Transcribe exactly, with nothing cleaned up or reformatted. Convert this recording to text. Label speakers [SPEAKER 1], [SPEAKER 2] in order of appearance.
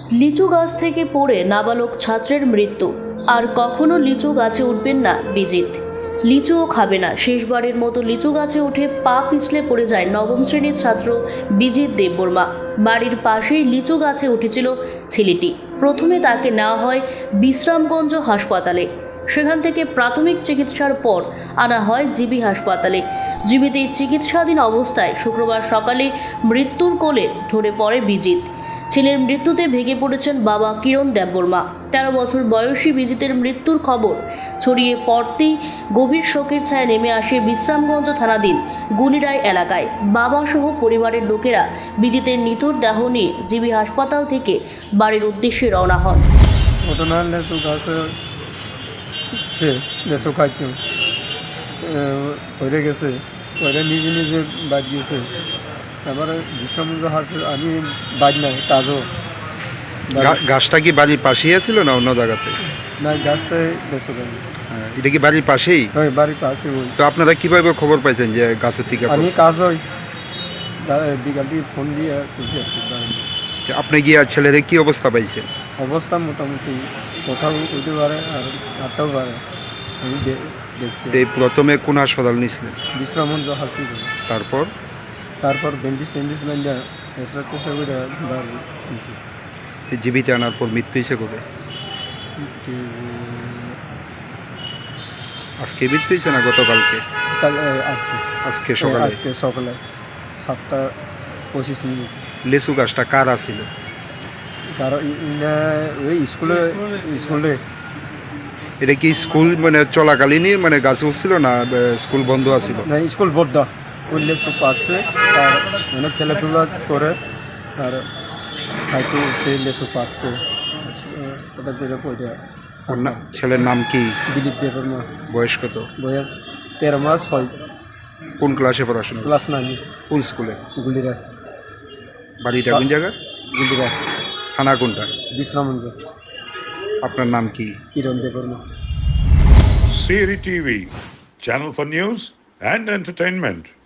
[SPEAKER 1] লিচু গাছ থেকে পড়ে নাবালক ছাত্রের মৃত্যু। আর কখনো লিচু গাছে উঠবেন না বিজিত। লিচুও খাবে না। শেষবারের মতো লিচু গাছে উঠে পা পিছলে পড়ে যায় নবম শ্রেণীর ছাত্র বিজিত দেববর্মা। বাড়ির পাশেই লিচু গাছে উঠেছিল ছেলেটি। প্রথমে তাকে নেওয়া হয় বিশ্রামগঞ্জ হাসপাতালে। সেখান থেকে প্রাথমিক চিকিৎসার পর আনা হয় জিবি হাসপাতালে। জিবিতে চিকিৎসাধীন অবস্থায় শুক্রবার সকালে মৃত্যুর কোলে ঢলে পড়ে বিজিত। ছেলের মৃত্যুতে ভেঙে পড়েছেন বাবা কিরণ দেববর্মা। তেরো বছর বয়সী বিজিতের মৃত্যুর খবর ছড়িয়ে পড়তেই গভীর শোকের ছায়া নেমে আসে বিশ্রামগঞ্জ থানাধীন গুলিরায় এলাকায়। বাবা সহ পরিবারের লোকেরা বিজিতের নিথর দেহ নিয়ে জিবি হাসপাতাল থেকে বাড়ির উদ্দেশ্যে রওনা হন।
[SPEAKER 2] ঘটনা লেচু গাছে সে লেচু খাইতো হয়ে গেছে, ওইটা নিজে নিজে বাদ গেছে। এবারে বিশ্রামগঞ্জ হাসপাতাল আমি বাদ নাই কাজও
[SPEAKER 3] গা- গাছটা কি বাড়ির পাশেই ছিল না অন্য জায়গাতে?
[SPEAKER 2] নাই, গাছটাই লেচু খাই।
[SPEAKER 3] হ্যাঁ, এটা কি বাড়ির পাশেই?
[SPEAKER 2] ওই বাড়ির পাশে ওই
[SPEAKER 3] তো আপনারা কিভাবে খবর পাইছেন যে গাছের থেকে
[SPEAKER 2] আমি
[SPEAKER 3] পড়ছে?
[SPEAKER 2] কাজ হই বিকাল দিয়ে ফোন দিয়ে খুঁজছি আর কি বাড়ি।
[SPEAKER 3] তো আপনি গিয়ে ছেলেদের কি অবস্থা পাইছেন?
[SPEAKER 2] অবস্থা মোটামুটি কোথাও উঠতে পারে আর হাঁটতেও পারে, আমি দে- দেখছি।
[SPEAKER 3] তো এই প্রথমে কোন হাসপাতাল নিয়েছিলেন?
[SPEAKER 2] বিশ্রামগঞ্জ হসপিটাল,
[SPEAKER 3] তারপর
[SPEAKER 2] তারপর ডেন্টিস টেন্টিস মাইন্ডা এসরা টেসরা করে বাড়ি নিয়েছি।
[SPEAKER 3] তো জীবিতে আনার পর মৃত্যু হয়েছে কবে? আজকে মৃত্যু হয়েছে না গতকালকে?
[SPEAKER 2] কাল এ, আজকে
[SPEAKER 3] আজকে
[SPEAKER 2] এ,
[SPEAKER 3] সকালে।
[SPEAKER 2] আজকে সকালে সাতটা পঁচিশ মিনিট।
[SPEAKER 3] লেচু গাছটা কার আছিল?
[SPEAKER 2] কারণ ইনা ওই স্কুলে স্কুলে
[SPEAKER 3] এটা কি স্কুল মানে চলাকালীনই মানে গাছ উঠছিল না আহ, স্কুল বন্ধ আছিল?
[SPEAKER 2] না, স্কুল বদ্ধ উঠলে সব পাচ্ছে আর মানে খেলাধুলা করে আর হয়তো উঠছে লেসু পাচ্ছে ওটা করে পড়ে।
[SPEAKER 3] ওর না- ছেলের নাম কি?
[SPEAKER 2] দিলীপ দেবের মা,
[SPEAKER 3] বয়স কত?
[SPEAKER 2] বয়স তেরো মাস ছয়
[SPEAKER 3] কোন ক্লাসে পড়াশোনা?
[SPEAKER 2] Class nine.
[SPEAKER 3] কোন স্কুলে?
[SPEAKER 2] গুলিরা
[SPEAKER 3] বাড়িটা কোন জায়গা?
[SPEAKER 2] গুলিরা
[SPEAKER 3] থানা কোনটা?
[SPEAKER 2] বিশ্রামঞ্জ।
[SPEAKER 3] আপনার নাম কি?
[SPEAKER 2] কিরণ দেবের মা।
[SPEAKER 4] Siri T V, channel for news and entertainment.